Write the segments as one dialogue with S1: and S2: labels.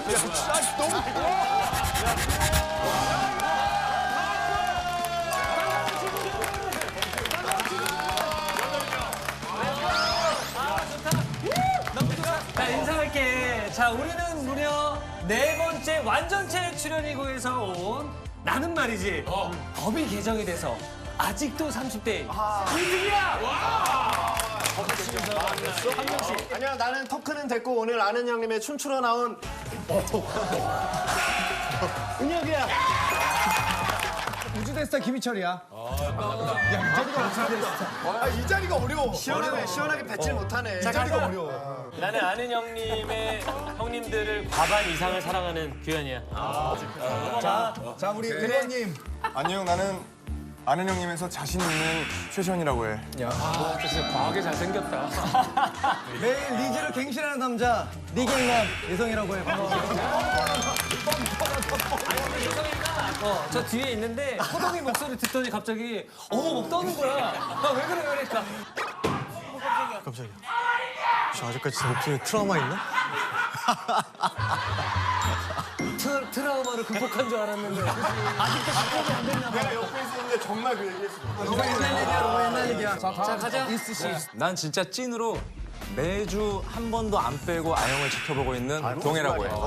S1: 자, 인사할게. 자, 우리는 무려 4번째 완전체 출연이고 해서 온 나는 말이지. 법이 개정이 돼서 아직도 30대 2등이야!
S2: 아니야, 나는 토크는 됐고 오늘 아는 형님의 춤추러 나온 은혁이야.
S3: 우주대스타 김희철이야.
S2: 이 자리가 어려워. 시원하게 뱉질 못하네. 이 자리가 어려워.
S1: 나는 아는 형님들을 과반 이상을 사랑하는 규현이야.
S3: 자, 우리 의원님.
S4: 안녕, 나는 아는 형님에서 자신 있는 최시원이라고 해.
S3: 매일 리즈를 갱신하는 남자 리갱남 예성이라고 해.
S1: 저 뒤에 있는데 호동이 목소리 듣더니 갑자기 막 떠는 거야. 왜 그래 그러니까.
S2: 깜짝이야. 저 아직까지 제 목소리에 트라우마 있나?
S1: 트라우마를 극복한 줄 알았는데 아직도 극복이 안 됐나 봐.
S2: 내가 옆에 있었는데 정말 그 얘기했어.
S3: 너무 옛날 얘기야.
S1: 자, 가자.
S3: 이스 씨.
S5: 난 진짜 찐으로 매주 한 번도 안 빼고 아영을 지켜보고 있는 동해라고 해.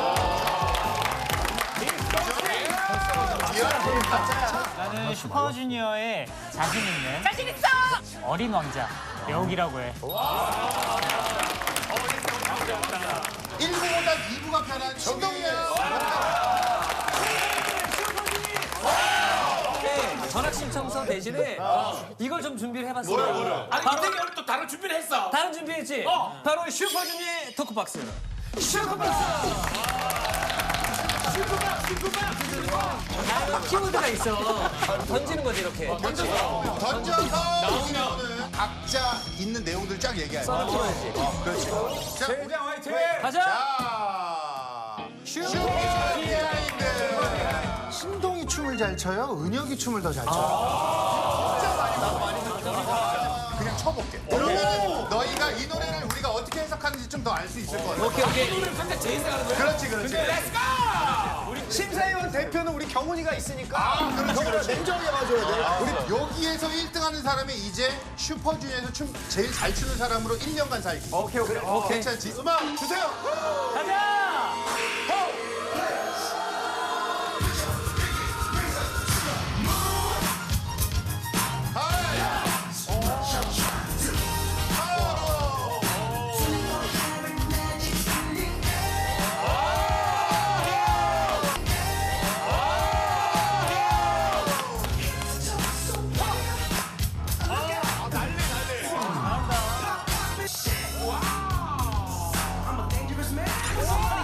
S6: 나는 슈퍼주니어의 자신 있는 어린 왕자 여욱이라고 해.
S7: 1부보다 2부가 편한 신동이야.
S1: 전학 신청서 대신에 이걸 좀 준비를 해봤어. 뭐를?
S8: 아니 이태경은 또 다른 준비를 했어.
S1: 다른 준비했지? 바로 슈퍼주니어의 토크박스. 슈퍼박스! 키워드가 있어. 던지는 거지 이렇게.
S7: 던져서 나오면 각자 있는 내용들 쫙 얘기해.
S1: 풀어야지.
S7: 그렇지. 자,
S4: 대장 화이팅!
S1: 가자!
S7: 자, 슈퍼주니어인들. 신동이 춤을 잘 춰요? 은혁이 춤을 더 잘 춰요? 진짜 많이 그냥 쳐볼게. 그러면 너희가 이 노래를 우리가 어떻게 해석하는지 좀 더 알 수 있을 것 같아.
S1: 오케이.
S8: 오늘 각자 제일 잘하는 거야.
S7: 그렇지, 그렇지.
S2: 심사위원 대표는 우리 경훈이가 있으니까.
S7: 그렇지.
S2: 냉정하게 봐줘야 돼.
S7: 우리 여기에서 1등 하는 사람이 이제 슈퍼주니어에서 춤 제일 잘 추는 사람으로 1년간 살기.
S2: 오케이.
S7: 괜찮지? 음악 주세요.
S1: 가자!
S7: 와!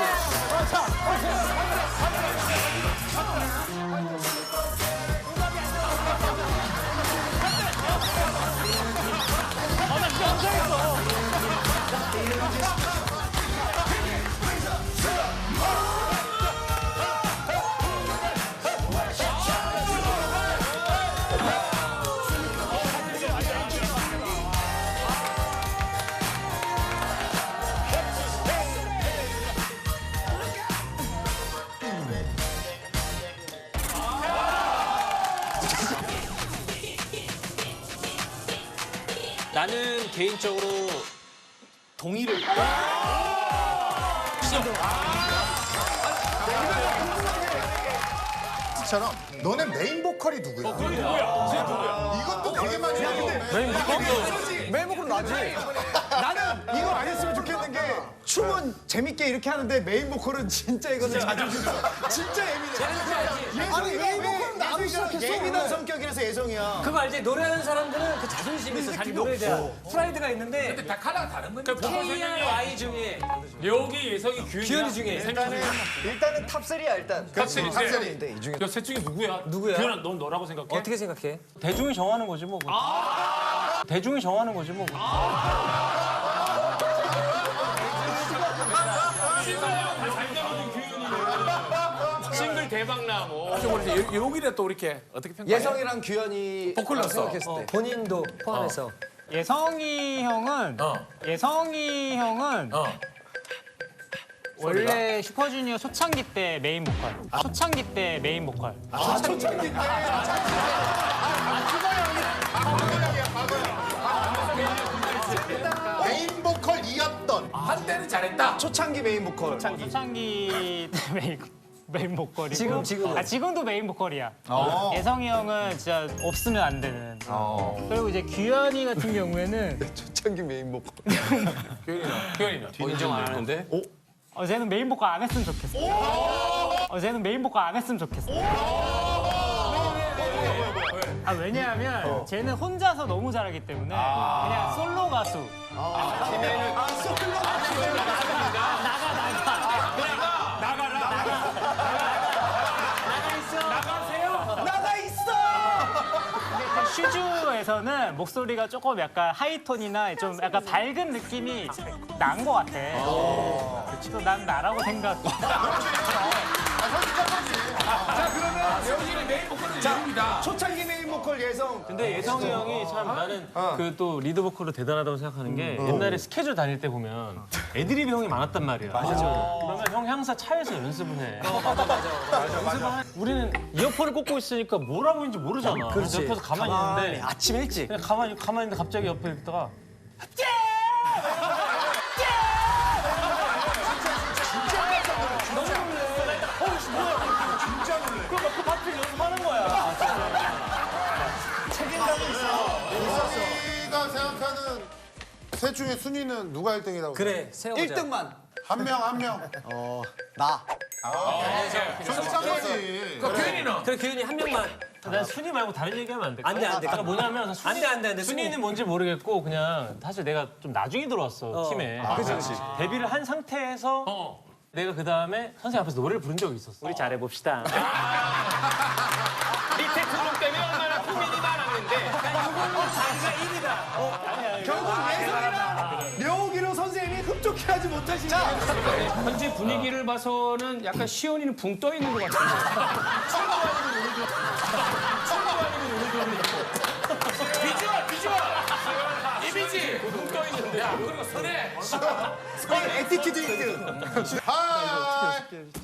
S1: 나는 개인적으로 동의를.
S7: 처럼 너네 메인 보컬이 누구야? 이것도 되게 많이 하는데
S3: 메인 보컬 나지. 나는 이거 안 했으면 좋겠는 게 춤은 재밌게 이렇게 하는데 메인 보컬은 진짜 이거는 자존심 진짜 예민해. 아니 메인 보컬은 나도 시작했어. 예민한 성격이라서 예성이야.
S1: 그거 알지? 노래하는 사람들은 그 자존심이 있어. 자기 노래에 대한 프라이드가 있는데
S8: 근데 다 칼라가 다른 건데.
S1: K-R-Y 중에
S8: 려욱이, 예성이, 규현이
S1: 중에
S3: 일단은 탑3야 일단.
S8: 탑3.
S3: 탑3인데 이 중에
S8: 셋 중에 누구야?
S1: 누구야?
S8: 규현아, 넌 너라고 생각해?
S1: 어떻게 생각해?
S5: 대중이 정하는 거지 뭐. 대중이 정하는 거지 뭐.
S8: 싱글 대박나고. 려욱이래 또 이렇게 어떻게 평가해?
S3: 예성이랑 규현이
S8: 보컬로서.
S3: 생각했을 때.
S1: 본인도 포함해서.
S6: 예성이 형은 원래 슈퍼주니어 초창기 때 메인 보컬. 초창기 때 메인 보컬.
S3: 초창기 때.
S7: 메인 보컬이었던
S8: 한때는 잘했다.
S3: 초창기 메인 보컬.
S6: 초창기 때 메인 보컬이고
S1: 지금은?
S6: 지금도 메인 보컬이야. 예성이 형은 진짜 없으면 안 되는. 그리고 이제 규현이 같은 경우에는
S3: 초창기 메인 보컬.
S8: 규현이는.
S5: 인정 안 하는데?
S6: 쟤는 메인 보컬 안 했으면 좋겠어. 쟤는 메인 보컬 안 했으면 좋겠어. 왜냐하면 쟤는 혼자서 너무 잘하기 때문에 그냥 솔로 가수.
S3: 나가 있어.
S6: 슈즈에서는 목소리가 조금 약간 하이톤이나 좀 약간 밝은 느낌이 난 것 같아. 그래서 난 나라고 생각.
S3: 자 그러면
S8: 여기는 메인 보컬은 려욱이다.
S3: 초창기 메인 보컬 예성.
S5: 근데 예성이 형이 참 나는 그 또 리드 보컬로 대단하다고 생각하는 게 옛날에 스케줄 다닐 때 보면 애드립이 형이 많았단 말이야. 맞아. 그러면 형 항상 차에서 연습을 해. 맞아. 우리는 이어폰을 꽂고 있으니까 뭘 하고 있는지 모르잖아. 그래서 옆에서 가만히 있는데
S1: 아침 일찍.
S5: 그냥 가만히 있는데 갑자기 옆에 있다가 그 파트를 연습하는 거야.
S7: 우리가 생각하는 셋 중에 순위는 누가 1등이라고?
S1: 그래, 세워보자.
S3: 1등만.
S7: 한 명.
S3: 나.
S7: 솔직하지.
S8: 그 규현이는.
S1: 그래, 규현이 한 명만.
S5: 난 순위 말고 다른 얘기하면 안 돼.
S1: 안 돼, 안 돼.
S5: 그러니까 뭐냐면
S1: 안 돼.
S5: 순위는 뭔지 모르겠고 그냥 사실 내가 좀 나중에 들어왔어 팀에. 그렇지. 데뷔를 한 상태에서 내가 그 다음에 선생님 앞에서 노래를 부른 적이 있었어. 우리 잘해봅시다.
S8: 밑에 그룹 때문에 얼마나 고민이 많았는데.
S3: 결국 예성이랑 려욱이로 선생님이 흡족해하지 못하시는.
S8: 현재 분위기를 봐서는 약간 시온이는 붕 떠 있는 것 같은데. 비주얼! 이미지! 붕 떠 있는데. 야, 그리고 선에.
S3: 에티튜드 1등.
S7: 하이.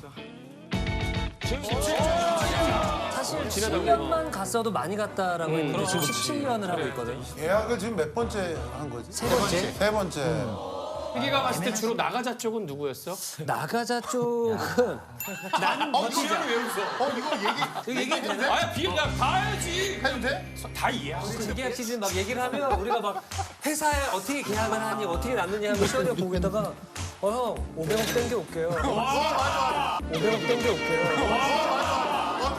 S1: 사실 10년만 갔어도 많이 갔다라고 했는데 지금 17년을 하고 있거든.
S7: 계약을 지금 몇 번째 한 거지?
S1: 세 번째?
S7: 세 번째.
S8: 희기가 봤을 때 주로 나가자 쪽은 누구였어?
S1: 나가자 쪽은 나는 버티자.
S8: 왜 웃어?
S7: 이거 얘기해도 돼?
S8: 아야, 비야 다 알지.
S7: 해도 돼?
S8: 다 이해하고.
S1: 그 계약 시즌 막 얘기를 하면 우리가 막 회사에 어떻게 계약을 하니 어떻게 남느냐 하면 시원이가 보고 있다가 형 500억 땡겨 올게요. 500억 땡겨 올게요.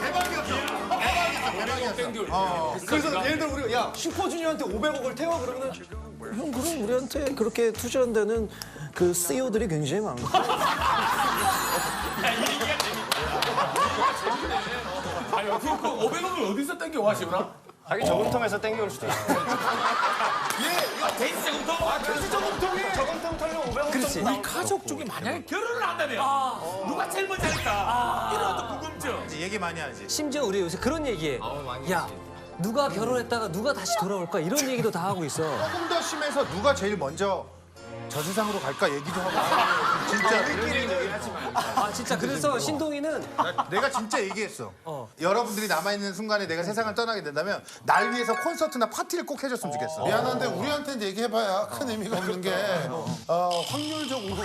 S7: 대박이었어.
S3: 그래서 예를 들어 우리가 야 슈퍼주니어한테 500억을 태워 그러면 형 그럼 우리한테 그렇게 투자한 데는 그 CEO들이 굉장히 많고
S8: 그 500원을 어디서 땡겨와, 시원아?
S3: 자기 저금통에서 땡겨올 수도 있어.
S8: 데이트 저금통? 데이트 저금통이?
S3: 저금통 털려 500원.
S8: 우리 가족 중에 만약에 결혼을 한다면 누가 제일 먼저 할까? 이런 어떤 궁금증.
S7: 얘기 많이 하지.
S1: 심지어 우리 요새 그런 얘기해. 야, 누가 결혼했다가 누가 다시 돌아올까 이런 얘기도 다 하고 있어.
S7: 조금 더 심해서 누가 제일 먼저 저 세상으로 갈까 얘기도 하고. 진짜
S1: 아 진짜 그래서 신동이는
S7: 내가 진짜 얘기했어. 여러분들이 남아있는 순간에 내가 세상을 떠나게 된다면 날 위해서 콘서트나 파티를 꼭 해줬으면 좋겠어. 미안한데 우리한테는 얘기해봐야 큰 의미가 없는 게 확률적으로.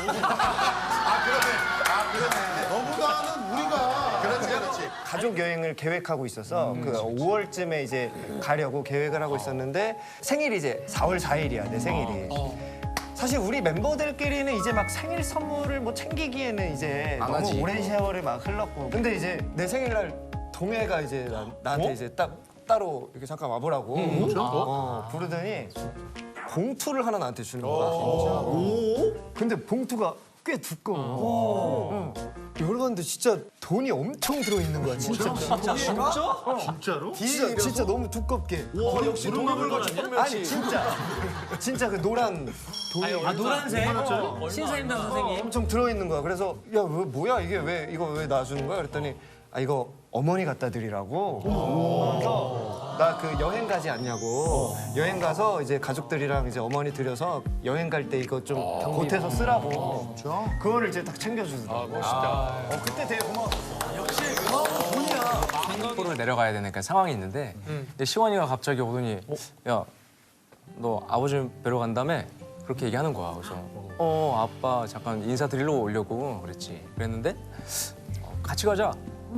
S7: 그러네. 너보다는 우리가. 그렇지.
S3: 가족 여행을 계획하고 있어서 그 5월쯤에 이제 가려고 계획을 하고 있었는데 생일이 이제 4월 4일이야, 내 생일이. 사실 우리 멤버들끼리는 이제 막 생일 선물을 뭐 챙기기에는 이제 너무 오랜 세월이 막 흘렀고. 근데 이제 내 생일날 동해가 이제 나한테 이제 딱 따로 이렇게 잠깐 와보라고 부르더니 봉투를 하나 나한테 주는 거야. 근데 봉투가 꽤 두꺼워. 열어봤는데 진짜 돈이 엄청 들어있는 거야, 진짜.
S7: 진짜로?
S3: 진짜 너무 두껍게.
S8: 역시 동물원 아니야?
S3: 아니 진짜 그 노란 돈이
S1: 아 노란색 신사임당 선생님.
S3: 엄청 들어있는 거야. 그래서 야 왜 뭐야 이게 이거 왜 놔주는 거야? 그랬더니 아 이거 어머니 갖다 드리라고. 그래서 나 그 여행 가지 않냐고. 여행 가서 이제 가족들이랑 이제 어머니 드려서 여행 갈 때 이거 좀 보태서 쓰라고. 그거를 이제 딱 챙겨주더라고. 멋있다. 그때 되게 고마웠어.
S9: 를 내려가야 되는 그 상황이 있는데 근데 시원이가 갑자기 오더니 야, 너 아버지 뵈러 간다며? 그렇게 얘기하는 거야. 그래서 아빠 잠깐 인사드리러 오려고 그랬지. 그랬는데 같이 가자.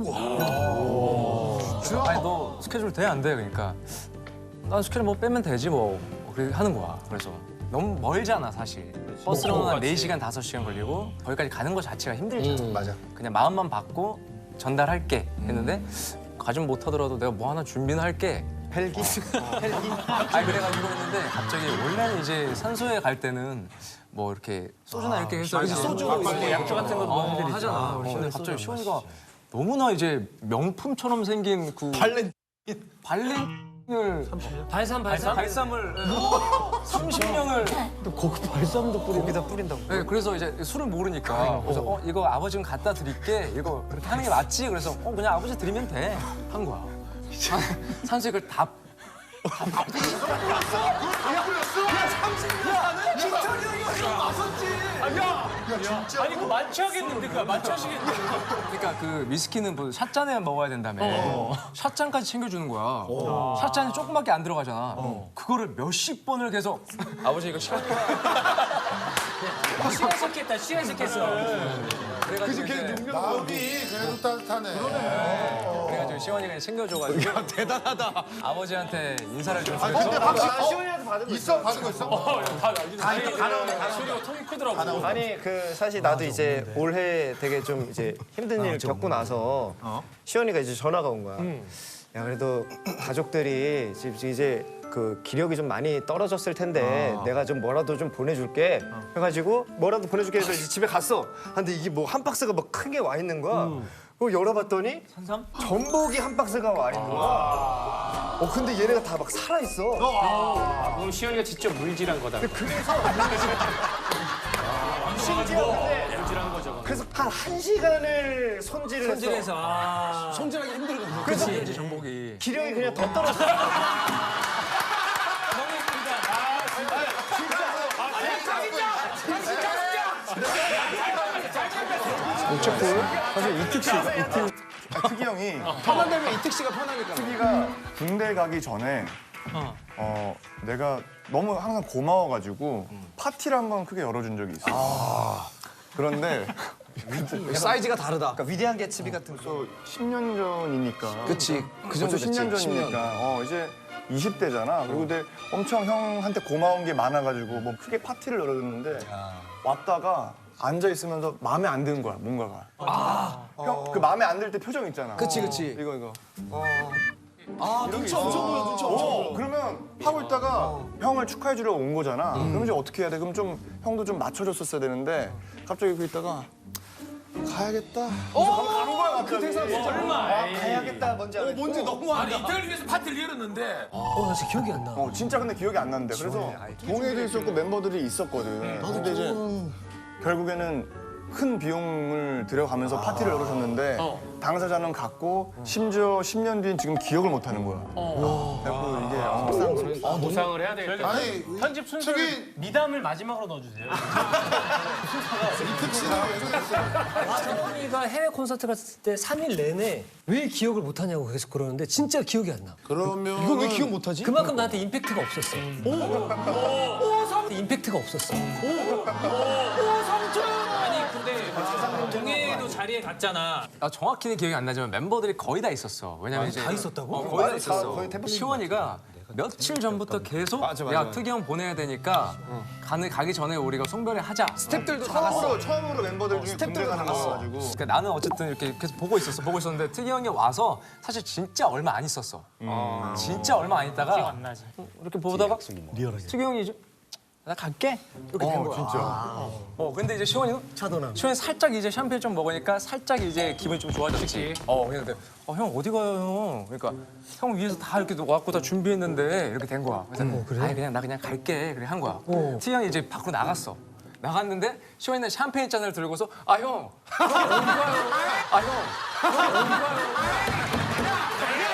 S9: 아니 너 스케줄 돼? 안 돼? 그러니까 난 스케줄 뭐 빼면 되지 뭐. 그렇게 하는 거야. 그래서 너무 멀잖아 사실. 버스로는 한 4시간, 5시간 걸리고 거기까지 가는 거 자체가 힘들잖아.
S7: 맞아.
S9: 그냥 마음만 받고 전달할게 했는데 가진 못하더라도 내가 뭐 하나 준비는 할게.
S3: 헬기?
S9: 아니 그래가지고 했는데 갑자기 원래는 이제 산소에 갈 때는 뭐 이렇게 소주나 이렇게 해서 이제 소주 약주 같은 거 너희들 하잖아. 근데 갑자기 시원이가 너무나 이제 명품처럼 생긴 그 발렌을 발삼을 30명을
S3: 거기 발삼도 뿌리고 거기다 뿌린다고.
S9: 네, 그래서 이제 술을 모르니까 그래서 이거 아버지 좀 갖다 드릴게. 이거 그렇게 하는 게 맞지? 그래서 그냥 아버지 드리면 돼. 한 거야. 산책을 다
S8: 아니 그 만취하겠는데 그거 만취하시겠는데.
S9: 그러니까 그 위스키는 뭐 샷잔에 먹어야 된다며. 샷잔까지 챙겨주는 거야. 샷잔이 조금밖에 안 들어가잖아. 그거를 몇십 번을 계속 아버지 이거 시간
S1: 취하셨겠다. 취하셨겠어.
S9: 그래가지고 이제
S7: 마음이 그래도 따뜻하네.
S9: 그래가지고 시원이가 챙겨줘가지고 대단하다. 아버지한테 인사를 좀
S7: 근데
S9: 드려서
S7: 확실히
S3: 시원이한테 받은 거
S7: 있어? 받은 거 있어?
S8: 소리가 통이 크더라고.
S3: 아니 그 사실 나도 이제 올해 되게 좀 이제 힘든 일 겪고 나서 시원이가 이제 전화가 온 거야. 야 그래도 가족들이 이제 그 기력이 좀 많이 떨어졌을 텐데 내가 좀 뭐라도 좀 보내줄게 해가지고 뭐라도 보내줄게 해서 이제 집에 갔어. 근데 이게 뭐 한 박스가 막 크게 와 있는 거야. 그거 열어봤더니 전복이 한 박스가 와 있는 거야. 근데 얘네가 다 막 살아 있어.
S8: 그럼 시현이가 직접 물질한 거다.
S3: 그래서 심지어 근데 그래서 한 1시간을 손질을 해서
S1: 손질하기 힘들어.
S9: 그치 정복이
S3: 기력이 그냥 더 떨어졌어.
S4: 사실 특이 형이
S3: 편한다면 이특 씨가 편하니까.
S4: 특이가 군대 가기 전에 내가 너무 항상 고마워가지고 파티를 한 번 크게 열어준 적이 있어. 그런데
S3: 사이즈가 다르다. 그러니까 위대한 개츠비 같은 거.
S4: 또 10년 전이니까.
S3: 그치. 그 정도
S4: 벌써 10년
S3: 됐지,
S4: 전이니까 이제 20대잖아. 그리고 근데 엄청 형한테 고마운 게 많아가지고 뭐 크게 파티를 열어줬는데 왔다가 앉아 있으면서 마음에 안 드는 거야 뭔가가. 형 그 마음에 안 들 때 표정 있잖아.
S3: 그치.
S4: 이거.
S3: 눈치 엄청 보여, 눈치 엄청 보여.
S4: 그러면 하고 있다가 형을 축하해 주려고 온 거잖아. 그럼 이제 어떻게 해야 돼? 그럼 좀 형도 좀 맞춰줬었어야 되는데 갑자기 그 있다가 가야겠다. 가는 거야 갑자기.
S8: 얼마?
S3: 가야겠다 뭔지 알아.
S7: 뭔지 너무
S8: 아니 이태를 위해서 파티를 열었는데
S1: 나 진짜 기억이 안 나.
S4: 진짜 근데 기억이 안 나는데. 그래서 동해도 있었고 멤버들이 있었거든. 근데 이제 결국에는 큰 비용을 들여가면서 파티를 열어줬는데 당사자는 갔고 심지어 10년 뒤엔 지금 기억을 못 하는 거야. 그래서 이게
S8: 보상을 해야 되겠다.
S7: 아니
S5: 편집 순서를
S7: 저기-
S5: 미담을 마지막으로 넣어주세요.
S1: 성원이가 해외 콘서트 갔을 때 3일 내내 왜 기억을 못 하냐고 계속 그러는데 진짜 기억이 안 나.
S7: 그러면
S3: 이걸 왜 기억 못하지?
S1: 그만큼 나한테 임팩트가 없었어. 임팩트가 없었어.
S8: 아니 근데 동해도 자리에 갔잖아.
S9: 나 정확히는 기억이 안 나지만 멤버들이 거의 다 있었어. 왜냐면 이제
S1: 다 있었다고?
S9: 거의 다 있었어.
S4: 거의 대부분
S9: 시원이가 며칠 전부터 계속 야 특이 형 보내야 되니까 가기 전에 우리가 송별회 하자.
S3: 스태프들도 다 갔어.
S4: 처음으로 멤버들 중에 군대 가는 거가지고
S9: 그러니까 나는 어쨌든 이렇게 계속 보고 있었는데 특이 형이 와서 사실 진짜 얼마 안 있었어. 진짜 얼마 안 있다가
S6: 기억 안 나지.
S9: 이렇게 보다가 특이 형이 이제 나 갈게 이렇게 된 거야.
S4: 진짜.
S9: 근데 이제 시원이는 시원이 살짝 이제 샴페인 좀 먹으니까 살짝 이제 기분이 좀 좋아졌지. 근데 형 어디 가요 형? 그러니까 형 위에서 다 이렇게 와갖고 다 준비했는데 이렇게 된 거야. 그래서 아니 그냥 나 그냥 갈게 그래 한 거야. 티 형이 이제 밖으로 나갔어. 나갔는데 시원이는 샴페인 잔을 들고서 아 형 어디 가요? 아 형 어디 가요?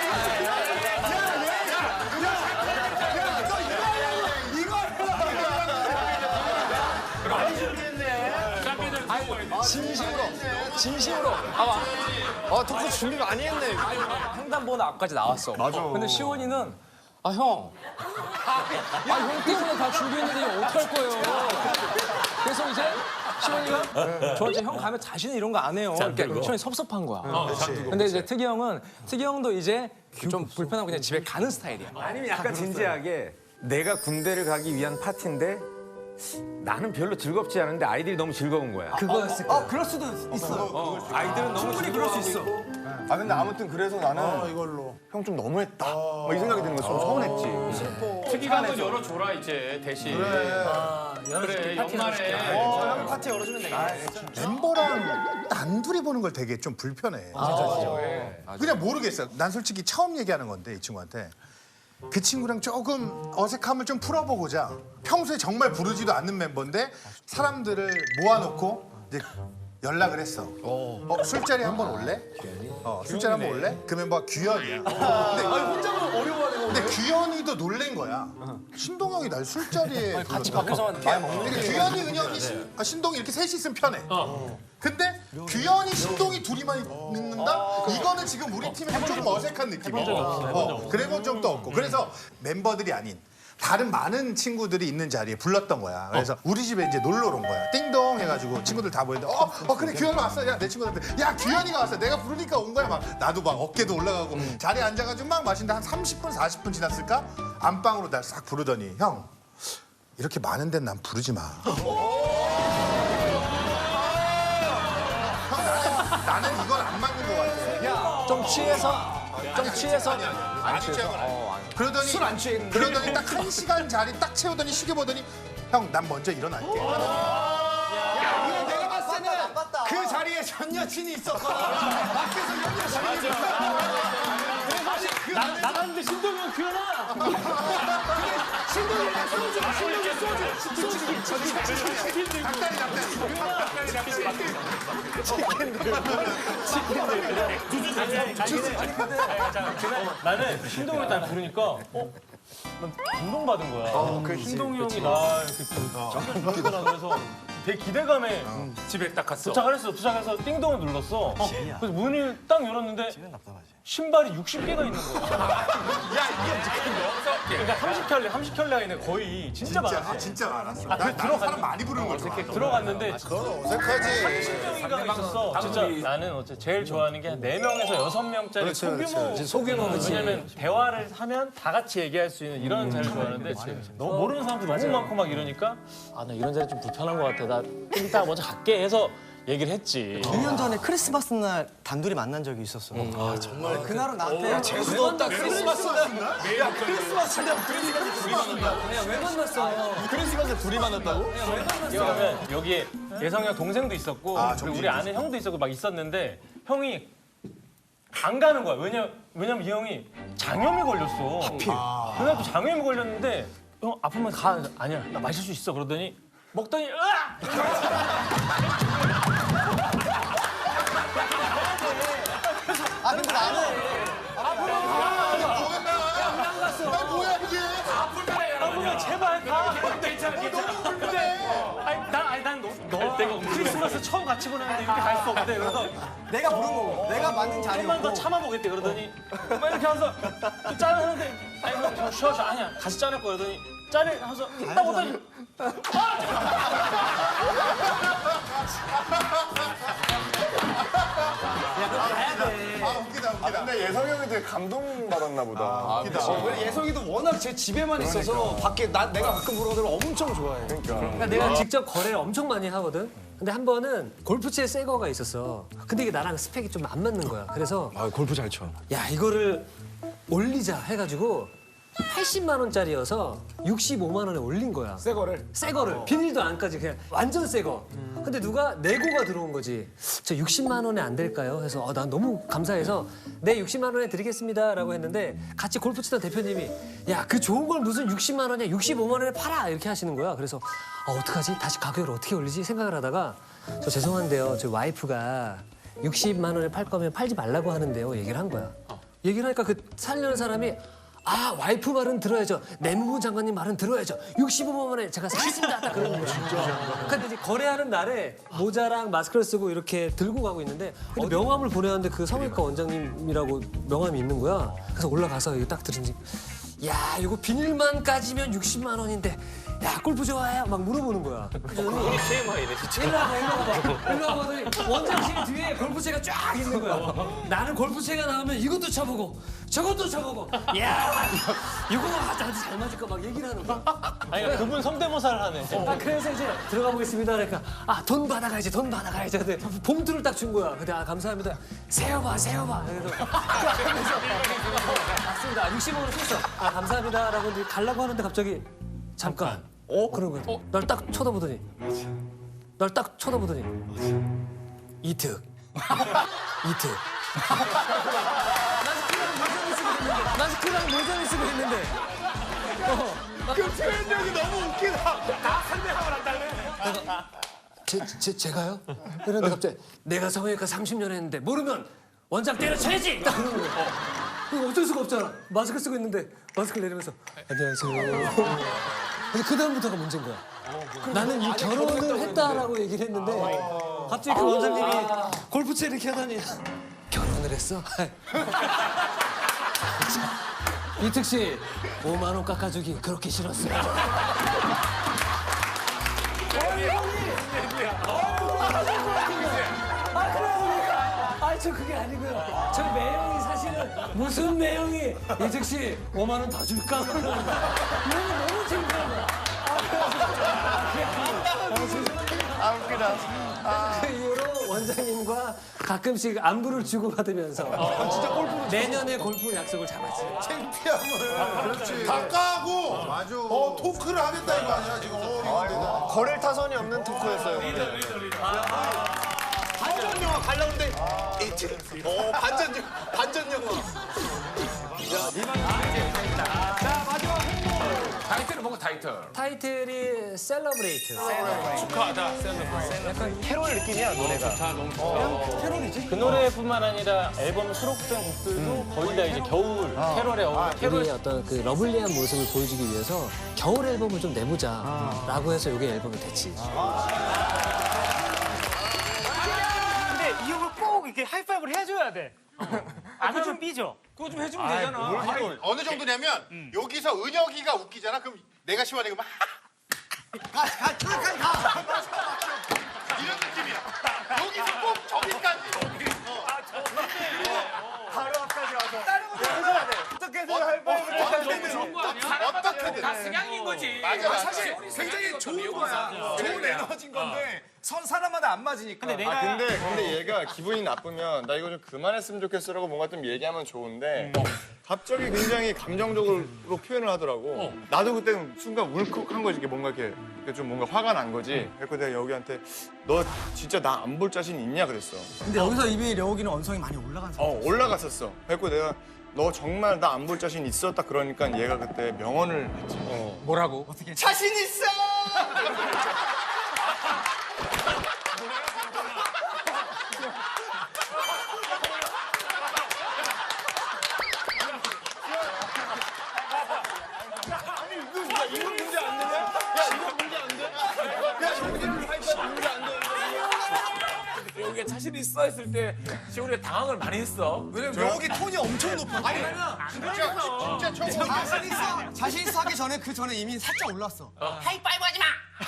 S9: 진심으로
S3: 토크 준비 많이 했네.
S9: 횡단보도 앞까지 나왔어.
S4: 맞아.
S9: 근데 시원이는 형 때문에 다 준비했는데 이거 어떡할 거예요? 그래서 이제 시원이가 저한테 형 가면 다시는 이런 거 안 해요. 이렇게 시원이 섭섭한 거야. 근데 이제 특이 형도 이제 좀 불편하고 그냥 집에 가는 스타일이야.
S10: 아니면 약간 진지하게 내가 군대를 가기 위한 파티인데 나는 별로 즐겁지 않은데 아이들이 너무 즐거운 거야.
S1: 그거였을 거야.
S3: 그럴 수도 있어.
S10: 아이들은 너무
S3: 충분히 그럴 수 있어.
S4: 근데 아무튼 그래서 나는
S7: 이걸로.
S4: 형 좀 너무했다. 이 생각이 드는 거야. 좀 서운했지.
S8: 특이가 한번 열어줘라 이제 대신. 그래 연말에.
S3: 형 파티 열어주면 되겠다.
S7: 멤버랑 단둘이 보는 걸 되게 좀 불편해. 그냥 모르겠어. 난 솔직히 처음 얘기하는 건데 이 친구한테. 그 친구랑 조금 어색함을 좀 풀어보고자 평소에 정말 부르지도 않는 멤버인데 사람들을 모아놓고 이제 연락을 했어. 술자리 한번 올래? 술자리 한번 올래? 그 멤버가 규현이야.
S3: 혼자만 어려워하는 거.
S7: 근데 규현이도 놀란 거야. 신동형이 날 술자리에
S9: 같이 밖에서 말 먹는
S7: 그러니까 규현이, 은영이, 신동이 이렇게 셋이 있으면 편해. 근데 규현이, 신동이 둘이만 있는다? 이거는 지금 우리 팀에 조금 어색한 느낌이야. 그래본 적도 없고. 그래서 멤버들이 아닌 다른 많은 친구들이 있는 자리에 불렀던 거야. 그래서 우리 집에 이제 놀러 온 거야. 띵동 해가지고 친구들 다 모였는데 그래 규현이 왔어. 야, 내 친구들한테 야 규현이가 왔어. 내가 부르니까 온 거야. 막 나도 막 어깨도 올라가고 자리에 앉아가지고 막 마신데 한 30분 40분 지났을까? 안방으로 날 싹 부르더니 형 이렇게 많은 데는 난 부르지 마. 나는 이건 안 맞는 것 같아.
S9: 좀 취해서
S7: 안 취한 건 아니야. 그러더니 술 안 취했는데. 그러더니 딱 1시간 자리 딱 채우더니 시계 보더니 형 난 먼저 일어날게.
S3: 이거 내가 봤을 때는 그 자리에 전 여친이 있었거든. 밖에서 전 여친이 있었어.
S5: 나갔는데 신동이 형 규현아. 나는 신동이 딱 부르니까 난 감동받은 거야. 그 신동이 형이 나 이렇게 잠깐 주겠구나 그래서 되게 기대감에
S8: 집에 딱 갔어.
S5: 도착해서 띵동을 눌렀어. 그래서 문을 딱 열었는데 신발이 60개가 있는 거야. 그러니까 30켤레 이네 거의 진짜 많았어.
S7: 진짜 많았어.
S5: 아,
S7: 나는
S5: 들어갔-
S7: 사람 많이 부르는 걸 좋아해.
S5: 들어갔는데
S7: 어색하지.
S5: 신동이가 있었어. 진짜 나는 제일 좋아하는 게 한 4명에서 6명짜리 소규모. 왜냐면 대화를 하면 다 같이 얘기할 수 있는 이런 자리를 좋아하는데 너무 모르는 사람도 너무 많고 막 이러니까 아 나 이런 자리 좀 불편한 것 같아. 나 좀 이따 먼저 갈게 해서 얘기를 했지.
S2: 2년 전에 크리스마스 날 단둘이 만난 적이 있었어. 정말 그날은 나한테
S1: 재수도 없다. 크리스마스 날. 크리스마스 날 둘이 만났다. 왜 만났어?
S2: 크리스마스에 둘이 만났다고?
S5: 그러면 여기에 예성이 형 동생도 있었고 그리고 우리 아는 형도 있었고 막 있었는데 형이 안 가는 거야. 왜냐면 이 형이 장염이 걸렸어. 하필. 그날도 장염이 걸렸는데 형 아프면 가. 아니야 나 마실 수 있어. 그러더니 먹더니 으악!
S2: 아 근데 나는
S5: 아프면 제발 가. 괜찮아. 근데 난 너 크리스마스 처음 같이 보내는데 이렇게 갈 수 없대. 그래서
S2: 내가 부른 거고 내가 맞는
S5: 좀만
S2: 자리였고
S5: 더 참아보겠대. 그러더니 막 이렇게 하면서 또 짠을 하는데 아니 형 쉬어 아니야 다시 짠할 거야. 그러더니 짠을 하면서 딱 오더니
S4: 근데 예성이 형이 되게 감동받았나 보다.
S3: 예성이도 워낙 제 집에만 있어서 밖에 내가 가끔 보는 걸 엄청 좋아해.
S1: 그러니까 내가 직접 거래를 엄청 많이 하거든. 근데 한 번은 골프채 새 거가 있었어. 근데 이게 나랑 스펙이 좀 안 맞는 거야. 그래서
S2: 골프 잘 쳐.
S1: 야 이거를 올리자 해가지고 80만 원짜리여서 65만 원에 올린 거야.
S3: 새 거를.
S1: 새 거를 비닐도 안 까지 그냥 완전 새 거. 근데 누가 내고가 들어온 거지. 저 60만 원에 안 될까요? 해서 난 너무 감사해서 네 60만 원에 드리겠습니다라고 했는데 같이 골프 치던 대표님이 야 그 좋은 걸 무슨 60만 원이야 65만 원에 팔아 이렇게 하시는 거야. 그래서 어떡하지? 다시 가격을 어떻게 올리지 생각을 하다가 저 죄송한데요. 저 와이프가 60만 원에 팔 거면 팔지 말라고 하는데요. 얘기를 한 거야. 얘기를 하니까 그 살려는 사람이 아 와이프 말은 들어야죠. 내무부 장관님 말은 들어야죠. 65만 원에 제가 사겠습니다. 딱 그러는 거야. 근데 이제 거래하는 날에 모자랑 마스크를 쓰고 이렇게 들고 가고 있는데 근데 명함을 보내왔는데 그 성형외과 원장님이라고 명함이 있는 거야. 그래서 올라가서 이거 딱 들으니 야 이거 비닐만 까지면 60만 원인데 야 골프 좋아해요? 막 물어보는 거야.
S5: 우리 TMI 이래 진짜.
S1: 일로 와보더니 원장실 뒤에 골프채가 쫙 있는 거야. 나는 골프채가 나오면 이것도 쳐보고 저것도 쳐보고 야 이거 나한테 잘 맞을까 막 얘기를 하는 거야.
S5: 아니 그러니까 그분 성대모사를 하네.
S1: 그래서 이제 들어가 보겠습니다. 그러니까 돈 받아가야지 돈 받아가야지. 근데 봉투를 딱 준 거야. 근데 감사합니다. 세어봐. 그래서 맞습니다. 60원을 썼어. 감사합니다라고 이제 달라고 하는데 갑자기 잠깐. 그런 거야. 날 딱 쳐다보더니 이특. 마스크랑 모자를 쓰고 있는데.
S3: 그 표현력이 너무 웃기다. 다 설명을 한다네.
S1: 제가요? 그런데 갑자기 내가 성형외과 30년 했는데 모르면 원장 때려쳐야지! 딱 그러는 거야. 이거 어쩔 수가 없잖아. 마스크 쓰고 있는데 마스크를 내리면서 안녕하세요. 근데 그 다음부터가 문제인 거야. 나는 이 결혼을 했다라고 얘기를 했는데 갑자기 그 원장님이 골프채 이렇게 하더니 결혼을 했어? 이특 씨 5만 원 깎아주기 그렇게 싫었어요. 저 그게 아니고요. 저 매형이 사실은 무슨 매형이 이특 씨 5만 원 더 줄까? 이런 거 너무 재밌는 거야.
S4: 웃기다.
S1: 그 이후로 원장님과 가끔씩 안부를 주고받으면서 진짜 골프로 내년에 골프 약속을 잡았지.
S7: 창피함을. 다 까고. 맞아. 토크를 하겠다 이거 아니야 지금.
S4: 거릴 타선이 없는 토크였어요. 근데.
S3: 반전 영화 가려는데 반전 영화. 자 마지막 홍보.
S8: 타이틀은 뭔가 타이틀.
S1: 타이틀이 셀러브레이트.
S8: 축하하다. 셀러브레이트.
S1: 약간 캐롤 느낌이야 노래가.
S8: 너무 좋다.
S1: 캐롤이지?
S5: 그 노래뿐만 아니라 앨범 수록된 곡들도 거의 다 이제 겨울 캐롤에 어울려.
S1: 우리의 어떤 그 러블리한 모습을 보여주기 위해서 겨울 앨범을 좀 내보자라고 해서 이게 앨범이 됐지.
S6: 근데 이 형을 꼭 이렇게 하이파이브를 해줘야 돼. 안 하면 삐져.
S8: 그거 좀 해주면 되잖아.
S7: 어느 정도냐면 여기서 은혁이가 웃기잖아. 그럼 내가 시원해 그러면 이런 느낌이야. 여기서 꼭 저기까지.
S3: 바로 앞까지 와서. 다른 것도 해줘야 돼. 어떻게 해서 하이파이브를
S8: 좋은 거 아니야?
S7: 어떻게든.
S8: 다 승향인 거지.
S7: 맞아.
S3: 사실 굉장히 좋은 거야. 좋은 에너지인 건데 사람마다 안 맞으니까.
S6: 근데 내가
S4: 근데 얘가 기분이 나쁘면 나 이거 좀 그만했으면 좋겠어라고 뭔가 좀 얘기하면 좋은데 갑자기 굉장히 감정적으로 표현을 하더라고. 나도 그때 순간 울컥한 거지. 이게 뭔가 이렇게 좀 뭔가 화가 난 거지. 그래서 내가 여기한테 너 진짜 나 안 볼 자신 있냐 그랬어.
S2: 근데 여기서 이미 려욱이는 언성이 많이 올라간 상태.
S4: 올라갔었어. 그래서 내가 너 정말 나 안 볼 자신 있었다 그러니까 얘가 그때 명언을 했지.
S10: 뭐라고?
S3: 자신 있어.
S4: 이건 문제 안 되냐? 야 이건 문제 안 돼? 야 여기는 하이파이브 문제 안 돼?
S10: 여기가 자신 있어 했을 때 시원이가 당황을 많이 했어.
S2: 왜냐면 려욱이 톤이 엄청 높아. 아니
S7: 진짜 저거
S2: 자신 있어 하기 전에 그 전에 이미 살짝 올랐어.
S6: 하이파이브 하지 마.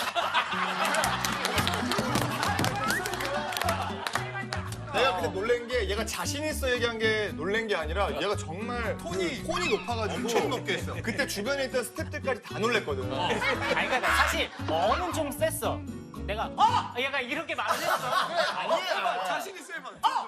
S4: 내가 근데 놀란 게 얘가 자신 있어 얘기한 게 놀란 게 아니라 얘가 정말 톤이 높아가지고
S7: 엄청 높게 했어.
S4: 그때 주변에 있던 스태프들까지 다 놀랬거든.
S6: 아니 그러니까 사실 어는 좀 셌어. 내가 얘가 이렇게 말을 했어.
S3: 아니야. 자신 있어야만.